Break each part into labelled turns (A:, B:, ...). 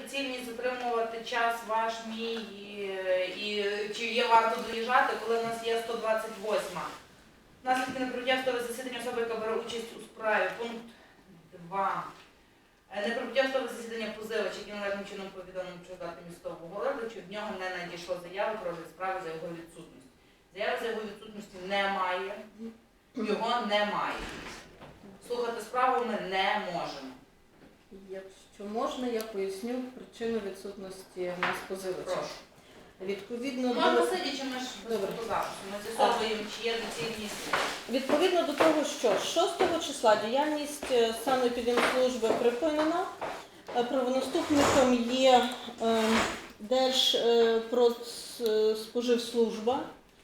A: доцільність затримувати час ваш, мій, і чи є варто доїжджати, коли в нас є 128. Наслідки неприбуття в судове засідання особи, яка бере участь у справі. Пункт 2. Неприбуття в судове засідання позивача, який належним чином повідомив про дати містового розгляду, чи в нього не надійшло заяви про розгляд справи за його відсутності. Заяви за його відсутності немає, його немає. Слухати справу ми не можемо.
B: Якщо можна, я поясню причину відсутності в нас позивача.
A: Прошу.
B: Відповідно
A: Можна
B: до...
A: сидячи, ми ж без фотозапису. Ми з'ясовуємо, чи є доцільність.
B: Відповідно до того, що 6 числа діяльність санепідемслужби припинена, правонаступником є Держпродспоживслужба,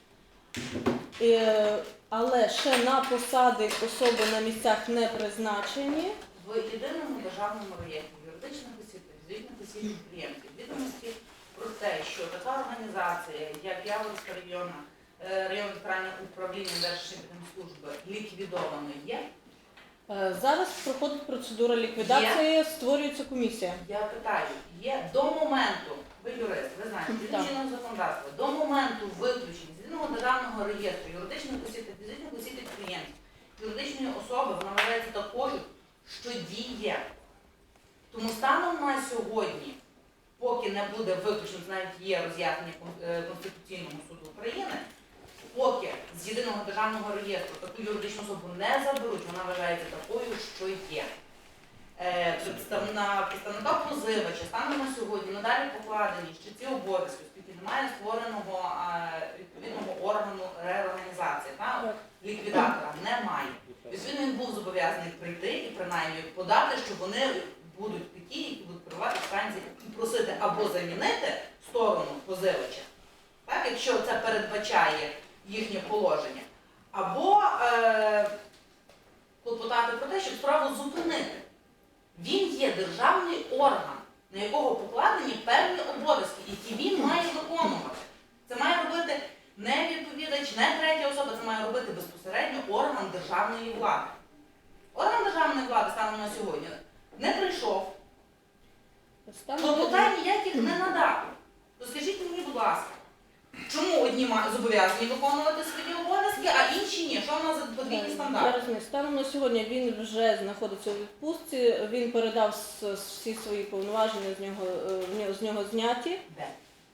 B: але ще на посади особи на місцях не призначені.
A: В єдиному державному реєстрі юридичних осіб та фізичних осіб підприємців відомості про те, що така організація, як Яворівська районне центральне управління Держпідемслужби ліквідовано є?
B: Зараз проходить процедура ліквідації, створюється комісія.
A: Я питаю, є до моменту, ви юрист, ви знаєте, згідно чинного законодавства, до моменту виключення з єдиного державного реєстру юридичних осіб та фізичних осіб підприємців юридичної особи, вона вважається такою, що діє. Тому станом на сьогодні, поки не буде виключено, навіть є роз'яснення Конституційного суду України, поки з єдиного державного реєстру таку юридичну особу не заберуть, вона вважається такою, що є. Представника позивача станом на сьогодні надалі покладені ще ці обов'язки, оскільки немає створеного відповідного органу реорганізації, ліквідатора немає. Відповідно, він був зобов'язаний прийти і принаймні подати, що вони будуть такі, які будуть керувати станції і просити або замінити сторону позивача, так, якщо це передбачає їхнє положення, або клопотати про те, щоб справу зупинити. Він є державний орган, на якого покладені певні обов'язки, які він має виконувати. Це має робити не відповідач, не третя особа, це має робити безпосередньо орган державної влади. Орган державної влади станом на сьогодні не прийшов, клопотань ніяких не надав. То скажіть мені, будь ласка, чому одні зобов'язані виконувати свої обов'язки, а інші ні? Що в нас за подвійні стандарти?
B: Я розумію, станом на сьогодні він вже знаходиться у відпустці, він передав всі свої повноваження, з нього зняті.
A: Де?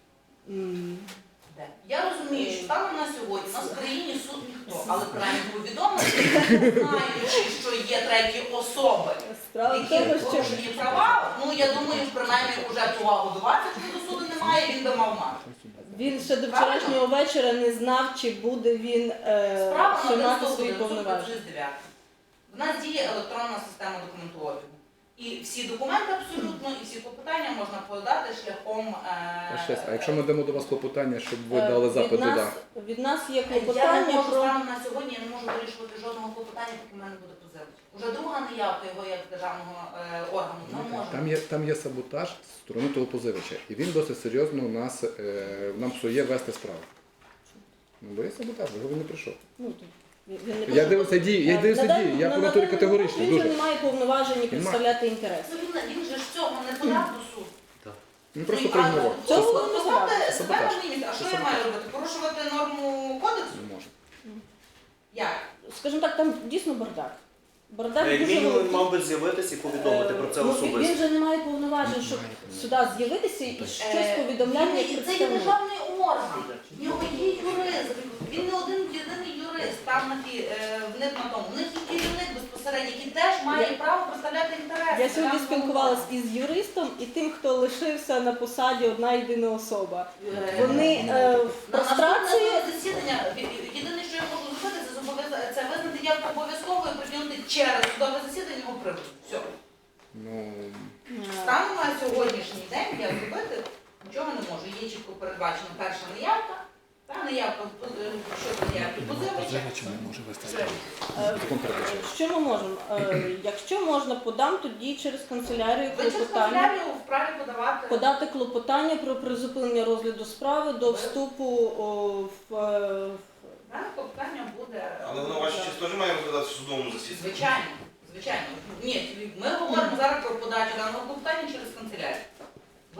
A: Де? Я розумію, що станом на сьогодні у нас в країні суд ніхто, але принаймні повідомити, знаючи, що є треті особи, які порушені права, ну я думаю, принаймні вже повагу до вас, якщо до суду немає, він би мав мати.
B: Він ще до вчорашнього вечора не знав, чи буде він ще мати свої повноваження.
A: В нас діє електронна система документообігу. І всі документи абсолютно, і всі клопотання можна подати шляхом...
C: А якщо ми дамо до вас клопотання, щоб ви дали запит туди?
B: Від нас є
A: Я не
B: клопотання
A: можу
B: про...
A: станом на сьогодні, я не можу вирішувати жодного клопотання, поки в мене буде позивач. Уже друга неявка його як державного органу не може.
C: Там є саботаж з сторони того позивача. І він досить серйозно нам псує вести справу. Ну, бо є саботаж, бо він не прийшов. Я дивився дії, я коментую категорично.
B: Він же не має повноважень представляти інтерес.
A: Він же ж цього не подав до суду.
C: Він просто проігнорував.
A: Поставте себе на місце. А що я маю робити? Порушувати норму кодексу?
C: Не може.
A: Як?
B: Скажімо так, там дійсно бардак. Бардак
D: Як
B: дуже
D: мінімум
B: великий.
D: мав би з'явитися і повідомити про це
B: Він
D: особисто.
B: вже не має повноважень, щоб сюди з'явитися і щось повідомляти як
A: Це є
B: представник.
A: державний орган. В нього є юрист. Він не один єдиний юрист. Там в них на тому. В них є керівник безпосередньо, який теж має право представляти інтереси.
B: Я сьогодні спілкувалася із юристом і тим, хто лишився на посаді одна єдина особа. Вони в прострації...
A: Наступне засідання, єдине, що я можу зробити, це визнати явку обов'язковою і притягнути через судове засідання його приводу. Все. Станом на сьогоднішній день я зробити нічого не можу. Є чітко передбачена перша неявка, та неявка щодо неявки позивача.
C: не може вести справу.
B: Що ми можемо? Якщо можна, подам тоді через канцелярію
A: Ви через
B: клопотання.
A: канцелярію вправі
B: Подати клопотання про призупинення розгляду справи до вступу в...
A: Дане клопотання буде...
E: Але воно ваша честь теж має розглядатися в судовому засіданні?
A: Звичайно. Ні, ми говоримо зараз про подачу даного клопотання через канцелярію.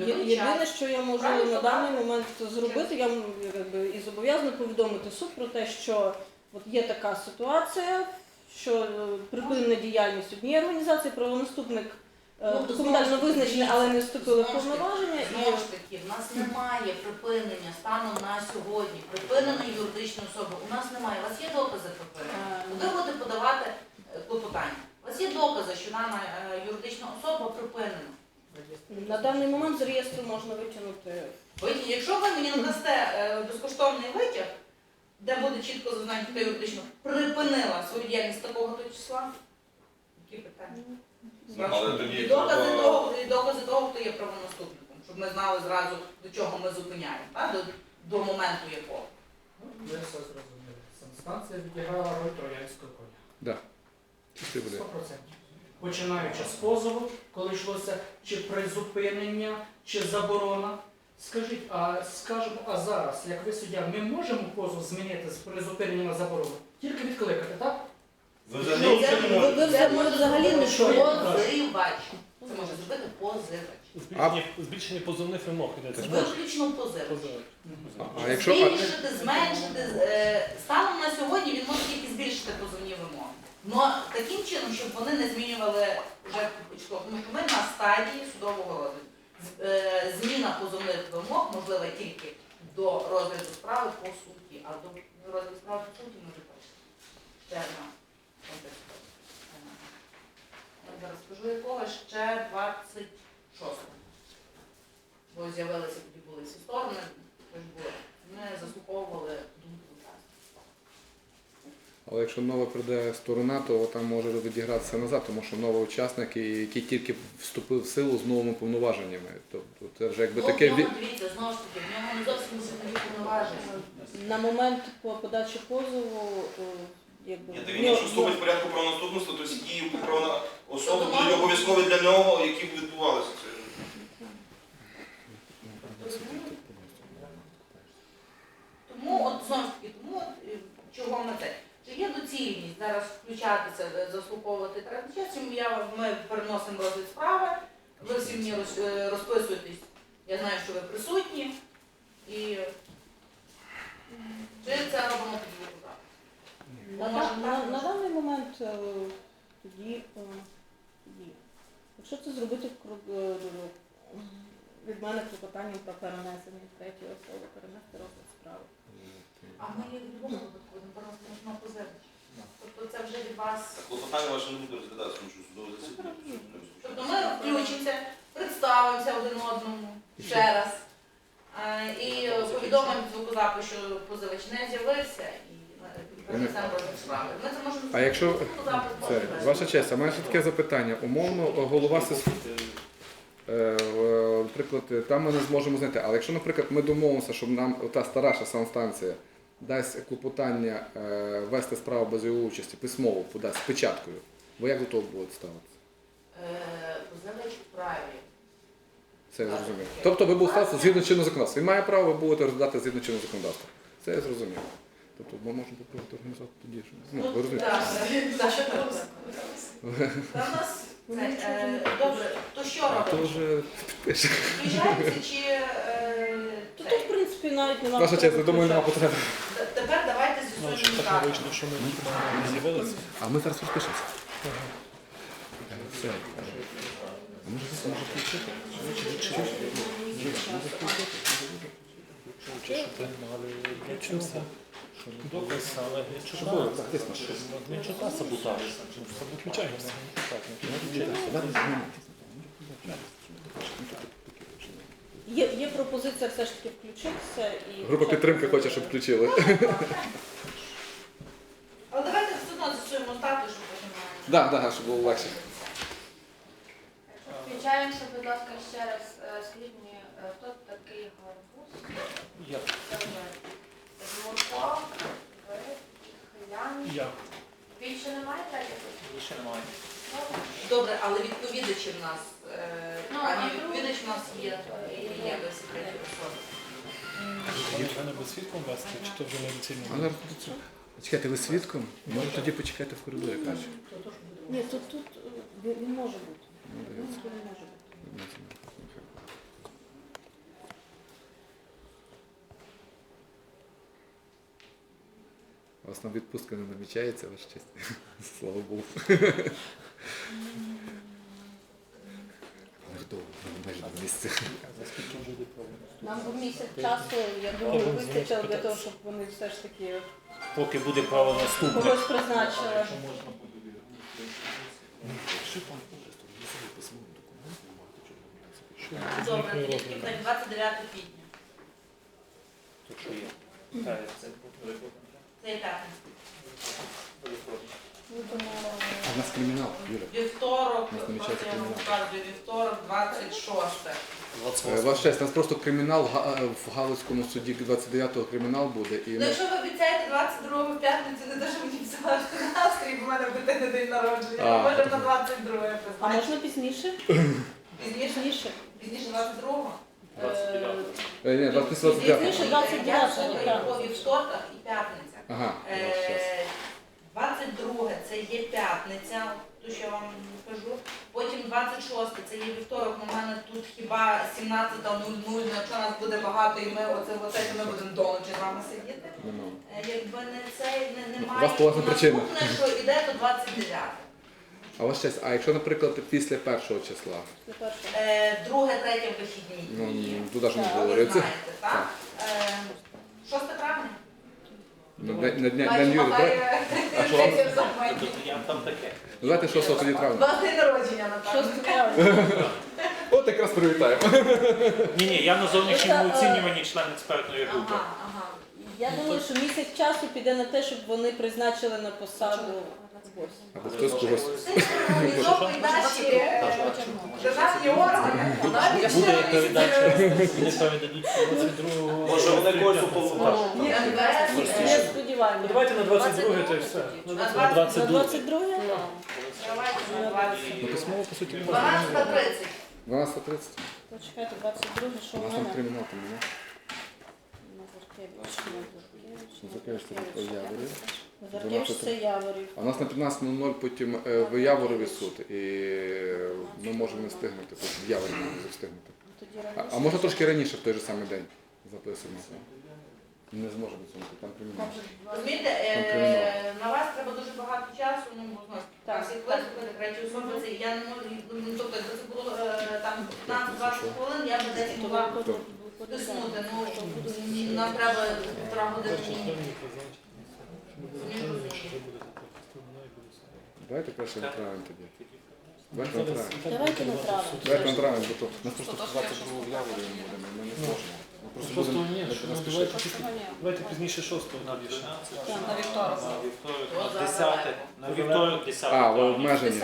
B: Єдине, що я можу
A: Правильно,
B: на
A: так?
B: даний момент зробити, я якби, і зобов'язана повідомити суд про те, що от є така ситуація, що припинена діяльність однієї організації, правонаступник документально визначений, але не вступили в повноваження.
A: Знову ж таки, в нас немає припинення станом на сьогодні, припиненої юридичної особи. У нас немає. У вас є докази припинення? Ви будете подавати клопотання. У вас є докази, що дана юридична особа припинена.
B: На даний момент з реєстру можна витягнути.
A: Якщо ви мені надасте безкоштовний витяг, де буде чітко зазначено, що юридично припинила свою діяльність такого-то числа, які питання?
E: Але тоді
A: І докази того, хто є правонаступником, щоб ми знали зразу, до чого ми зупиняємо, так? До моменту якого.
F: Ви все зрозуміли. Санстанція відіграла роль троянського коня.
C: Да. Чистий буде.
F: 100%. Починаючи з позову, коли йшлося чи призупинення, чи заборона. Скажіть, а зараз, як ви суддя, ми можемо позов змінити з призупинення на заборону? Тільки відкликати, так?
E: ви взагалі нічого не можете.
A: Це може
B: взагалі не
A: позивач. Це може зробити позивач.
G: Збільшення позовних вимог йдеться.
A: Виключно позивач.
C: А якщо
A: Збільшити, зменшити. Станом на сьогодні він може тільки збільшити позовні вимоги. Но таким чином, щоб вони не змінювали вже початково. Тому що ми на стадії судового розгляду. Зміна позовних вимог можлива тільки до розгляду справи по суті. А до розгляду справи по суті може ще одна контекст. Я зараз скажу якого ще 26-го. Бо з'явилися тоді були всі сторони, ми заслуховували думку учасників.
C: Але якщо нова прийде сторона, то там може відігратися назад, тому що новий учасник, який тільки вступив в силу з новими повноваженнями. Тобто це вже якби таке.
A: Дивіться, знову ж таки, в нього не зовсім нові повноваження.
B: На момент по подачі позову, якби
E: Ні, та він якщо вступить в порядку правонаступництва, то всі дії правової особи будуть обов'язкові для нього, які б відбувалися.
A: Тому, от знову ж таки, чого ми це? Чи є доцільність зараз включатися, заслуховувати третій час, чим ми переносимо розгляд справи, ви всі мені розписуєтесь, я знаю, що ви присутні, і чи це робимо під звукозапис?
B: на даний момент тоді, якщо це зробити від мене клопотанням про перенесення третьої особи, перенести розгляд справи.
A: А ми їх в будь-якому випадку будемо переносити на позивач. Тобто це вже від вас.
E: Клопотання ваше не буде розглядатися, тому що судове засідання.
A: Тобто ми включимося, представимося один одному ще раз і повідомимо звукозапис, що позивач не з'явився і перенесемо розгляд справи. Ми це можемо
C: А якщо
A: звукозапис
C: це
A: позивач.
C: ваша честь, а мене ще таке запитання. Умовно, голова наприклад, там ми не зможемо знайти. Але якщо, наприклад, ми домовимося, щоб нам та старша санстанція дасть клопотання вести справу без його участі, письмово подасть з печаткою, ви як до того будете ставитися?
A: Позивач у праві.
C: Це я зрозумів. Тобто ви будете ставитися згідно чинного законодавства. Він має право, ви будете розглядати згідно чинного законодавства. Це я зрозумів. Тобто ми можемо попробувати організувати тоді. Ну, ви розумієте.
A: Та в нас добре, то що
C: А то
A: робимо?
C: вже підпише.
A: Включаємося чи
B: То тут, в принципі, навіть немає.
C: Ваша честь, я думаю, нема потреби.
A: тепер давайте
G: Ну,
A: з'ясуємо
G: щоб так не
A: так.
G: вийшло, що ми не з'явилися.
C: А ми зараз розпишемося. Все. А може включити?
G: Щоб ви мали вчився. Доказ, але
C: Що було? Так, десь на
G: не чита саботаж. Виключаємося.
B: Є пропозиція все ж таки включитися і...
C: Група підтримки хоче, щоб включили.
A: Але давайте все одно з'ясуємо статус, щоб потім...
C: Так, щоб було легше.
H: Включаємося, будь ласка, ще раз. Скажіть мені, хто такий гарбуз?
G: Я.
H: Це вже Жмурко, ви, Хилян.
G: Я.
H: Більше немає третіх?
G: Ще немає.
A: Добре, але відповідачі в нас,
H: Ну,
A: а
H: а
A: не відповідач в нас є, і є без секретів особи.
G: Мене без свідком вести, чи то вже не
C: А
G: доцільно?
C: зараз чекайте, ви свідком? Може тоді почекайте в коридорі краще.
B: Ні, тут він може бути.
C: Ну,
B: Він
C: дивіться.
B: може бути.
C: вас там відпустка не намічається, ваша честь. Слава Богу. Ми довго, майже 2 місяці.
G: За скільки вже йде проводити?
B: Нам був місяць часу, я думаю, вистачило для того, щоб вони все ж таки
G: Поки буде право наступне.
B: когось призначили.
A: Добре, тільки на 29 квітня.
G: Тут що є? Так, це буде.
A: Це є п'ятниця.
C: А в нас кримінал, Юля.
A: Вівторок,
C: У нас намічається
A: я вам
C: кримінал.
A: показую, вівторок, 26.
C: Ваша честь, у нас просто кримінал в Галицькому суді 29-го кримінал буде. І
A: Ну,
C: ми...
A: якщо ви обіцяєте 22 в п'ятницю, не те, що мені писати настрій, бо в мене дитини день народження,
C: А.
A: може на 22
B: А
A: призначити.
B: можна пізніше?
A: Пізніше?
B: Пізніше.
A: Пізніше 22-го?
C: Ні, 29.
B: Пізніше
A: Я
B: 29-го,
A: слухаю
B: так.
A: по вівторках і п'ятниця.
C: Ага,
A: 22 це є п'ятниця, ту, що я вам кажу. Потім 26 це є вівторок, у мене тут хіба 17:00, якщо нас буде багато і ми оце ми будемо до ночі з вами сидіти.
C: нема.
A: Якби не це, немає.
C: У вас поважна причина.
A: Наступне, що йде, то 29.
C: А ваша честь, а якщо, наприклад, після 1-го числа?
B: Це перше.
A: Друге, третє вихідні.
C: Ну,
A: дні.
C: туди ж не
B: Так.
A: Ви
C: говориться.
A: знаєте, так? 6 травня.
C: На дня Юрі, давайте.
G: А що я там таке?
C: Давайте 6 тоді травня.
A: Вас день народження, напевно.
B: 6 травня.
C: От якраз привітаємо.
G: Ні, я на зовнішньому оцінюванні член експертної групи.
A: Ага.
B: Я думаю, що місяць часу піде на те, щоб вони призначили на посаду гостя.
C: Або хтось когось.
A: Синхронізовують наші державні органи.
G: Буде передача, вони передадуть 22-го.
D: Може вони когось уповноважать?
B: Не сподіваємося.
F: Давайте на 22 то і все.
A: На
B: На
A: 22.
B: 22?
A: Давайте на 22.
C: Ну, письмово, по суті, не можна.
A: 12:30.
C: 12:30.
B: То чекайте, 22, що
C: У
B: у
C: нас там
B: мене?
C: кримінал там, не?
B: Назаркевич,
C: Назаркевич, це Яворів.
B: Назаркевич це Яворів.
C: А у нас на 15:00 потім в Яворові суд, і ми можемо не встигнути, потім в Яворі не встигнути.
B: Тоді
C: А
B: раніше.
C: можна трошки раніше, в той же самий день записано. Не зможемо цьому, там кримінал.
A: Розумієте,
C: Там кримінал.
A: на вас треба дуже багато часу, ну, знову ж
B: Так.
A: таки, всіх виступити, треті особи, це я не можу, ну, тобто, якби це було там 15-20 хвилин, я б десь могла тиснути, ну, нам треба 1,5 години.
C: Давайте краще направимо тоді. Давайте направимо.
B: Давайте направимо.
C: Давайте направимо, бо то нас просто 22 в Яворі не будемо, ми не зможемо. Ми просто будемо
F: Давайте пізніше 6-го.
G: На 12.
H: На вівторок.
G: На вівторок,
A: О,
G: на 10. На вівторок 10.
C: А, в обмеженні.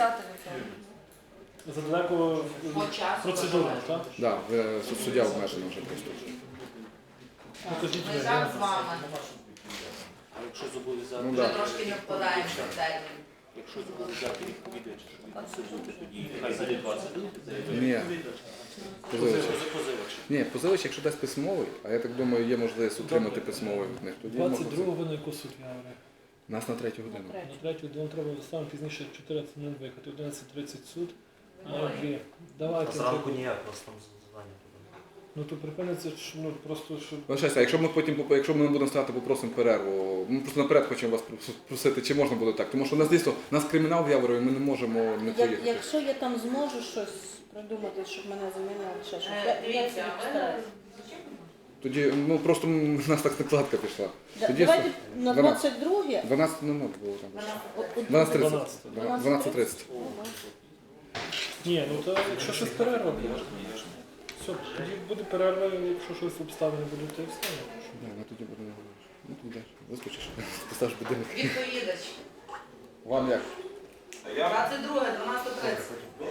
F: Задалеко
A: По часу.
F: процедурно, так?
C: Так, суддя обмежена вже просто.
F: Покажіть
A: Ми зараз з вами.
G: А якщо зобов'язати,
C: Ну,
A: Ми
C: да.
A: трошки не вкладаємося в термін.
G: якщо зобов'язати відповідача, що він мусить бути тоді, хай буде 20 днів.
C: Ні. Позивач.
G: Позивач.
C: Ні, позивач, якщо дасть письмовий, а я так думаю, є можливість отримати письмовий від них, тоді можна.
F: 22-го на яку суть Яворів?
C: Нас на 3 годину.
F: На 3-ю нам треба саме пізніше 14:00 виїхати, 11:30 суд, на 2. Давайте.
D: Зранку ніяк, у нас там завдання.
F: Ну то припиниться, ну просто щоб...
C: Вибачайте, а якщо ми потім, якщо ми не будемо стати, попросимо перерву. Ми просто наперед хочемо вас просити, чи можна буде так. Тому що у нас дійсно, у нас кримінал в Яворові, ми не можемо не поїхати.
B: Якщо я там зможу щось придумати, щоб мене замінили, ще щось. Я
A: Дивіться,
B: постараюсь.
C: Тоді, ну просто у нас так накладка пішла. Тоді
B: Давайте на
C: 12.
B: 22
C: 12:00 було там.
A: Вона
C: 12:30. 12:30.
F: Ні, ну то якщо щось перерва буде. Все, тоді буде перерва, якщо щось обставини будуть, то і все.
C: Ну тоді буде не говориш. Ну тоді йдеш, вискочиш, поставиш будинок.
A: відповідач.
C: Вам як?
A: 22, 12:30.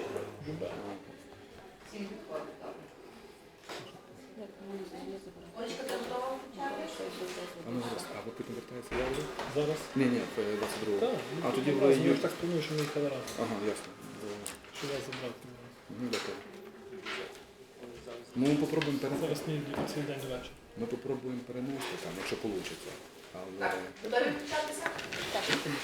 A: Всім підходить, добре. Олечка, ти готова?
C: А ну зараз, а ви потім вертаєтеся в Яворів?
F: Зараз?
C: Ні, 22-го.
F: Так,
C: А тоді ви
F: ви
C: їдете.
F: ж так сплануєш, що ми їхали разом.
C: Ага, ясно.
F: Що вас забрати.
C: Ну, дякую. Ми попробуємо перенести.
F: Зараз не йду цей день до вечора.
C: Ми попробуємо перенести там, якщо вийде. Але
A: Так, готові включатися? Так.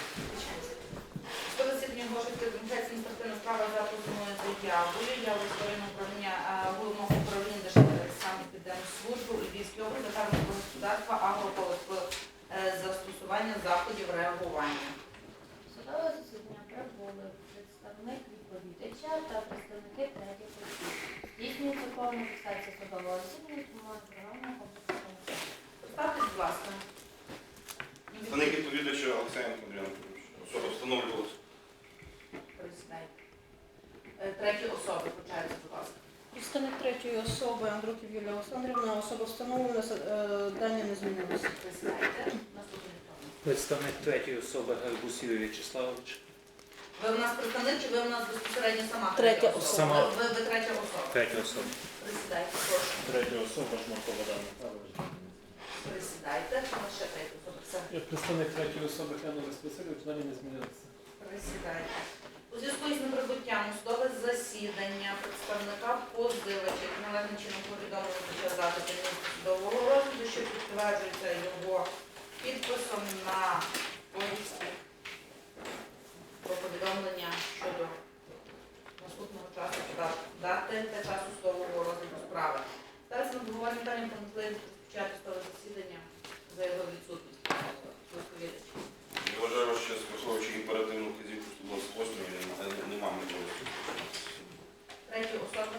A: По засіданню Гошівської комітетської адміністративної справи за позовною заявою. Я в історії управління головного управління Державної підприємслужби у Львівській області, фермерського господарства, агрополос застосування застосування заходів реагування.
H: Судове засідання прибули представник відповідача та представники третіх осіб. Здійснюється повна фіксація судового засідання, тому програмного комплексу.
A: Поставте, будь ласка.
E: Представник відповідача Олександр Андрійович. Особа встановлювалася.
A: Присідайте. Треті особи, почайте, будь ласка.
B: Представник третьої особи Андрухів Юлія Олександрівна, особа встановлена, дані не змінилися.
A: Присідайте. Наступний хто?
G: Представник третьої особи Гарбусів В'ячеславович.
A: Ви у нас представник чи ви у нас безпосередньо сама
B: Третя
A: особа?
G: Сама.
A: Ви третя особа.
G: Третя особа.
A: Присідайте, прошу.
G: Третя особа Жмурко Богдан Михайлович.
A: Присідайте. У нас ще третя особа. Все.
I: Я представник третьої особи Хенова Васильович, дані не змінилися.
A: Присідайте. У зв'язку із неприбуттям у судове засідання представника позивача, який належним чином повідомили під час запиту місця судового розгляду, що підтверджується його підписом на повістці про повідомлення щодо наступного часу дати та часу судового розгляду справи. Ставиться на обговорення питання про можливість розпочати судове засідання за його відсутність. Відповідач.
E: Я вважаю, що враховуючи імперативну вказівку 128, немає можливості.
A: Треті особи.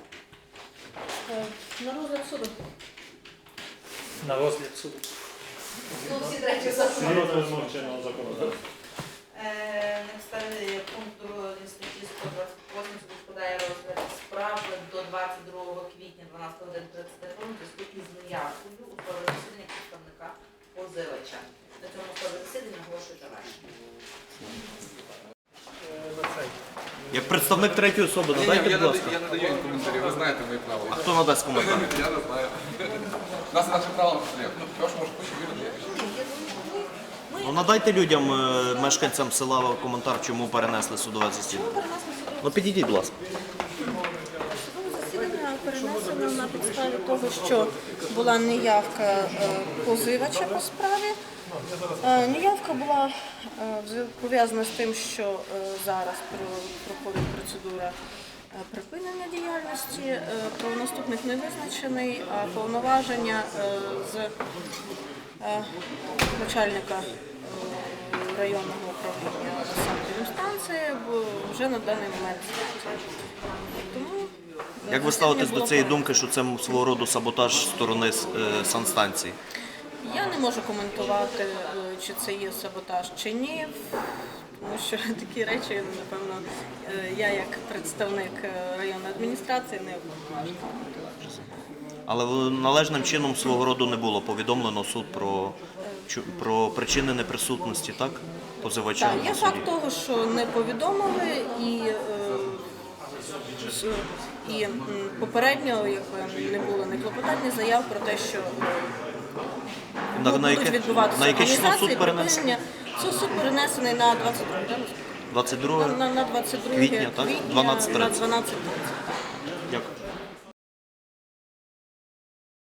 B: На розгляд суду.
G: На розгляд суду.
A: Ну, всі треті особи.
I: Розгляд чинного законодавства.
A: На підставі пункту 2 статті 128 суд складає розгляд справи до 22 квітня 12 годин 30 хвилин у зв'язку із неявкою у судове засідання представника позивача. На цьому судове засідання оголошую завершення.
J: Як представник третьої особи, надайте, будь ласка.
C: Я не даю коментарі, ви знаєте мої правила.
J: А хто надасть коментар?
C: Я не знаю. У нас наше право не Тож, може, хоче вірити.
J: Ну, надайте людям, мешканцям села, коментар, чому перенесли судове засідання. Ну, підійдіть, будь ласка.
B: Судове засідання перенесено на підставі того, що була неявка позивача по справі. Неявка була пов'язана з тим, що зараз проходить процедура припинення діяльності, правонаступник не визначений, а повноваження з начальника районного управління санепідемстанції вже на даний момент. Тому
J: Як ви ставитесь до цієї думки, що це свого роду саботаж зі сторони санстанції?
B: Я не можу коментувати, чи це є саботаж чи ні, тому що такі речі, напевно, я як представник районної адміністрації не можу коментувати.
J: Але належним чином свого роду не було повідомлено суд про причини неприсутності, так? Позивача
B: Так, є
J: на суді.
B: факт того, що не повідомили і попередньо не було ні клопотань, ні заяв про те, що будуть відбуватися
J: на яке число суд
B: перенесений? Суд перенесений на
J: 22
B: на 22
J: квітня, так?
B: на
J: 12:30.
B: 12:30.
J: Дякую.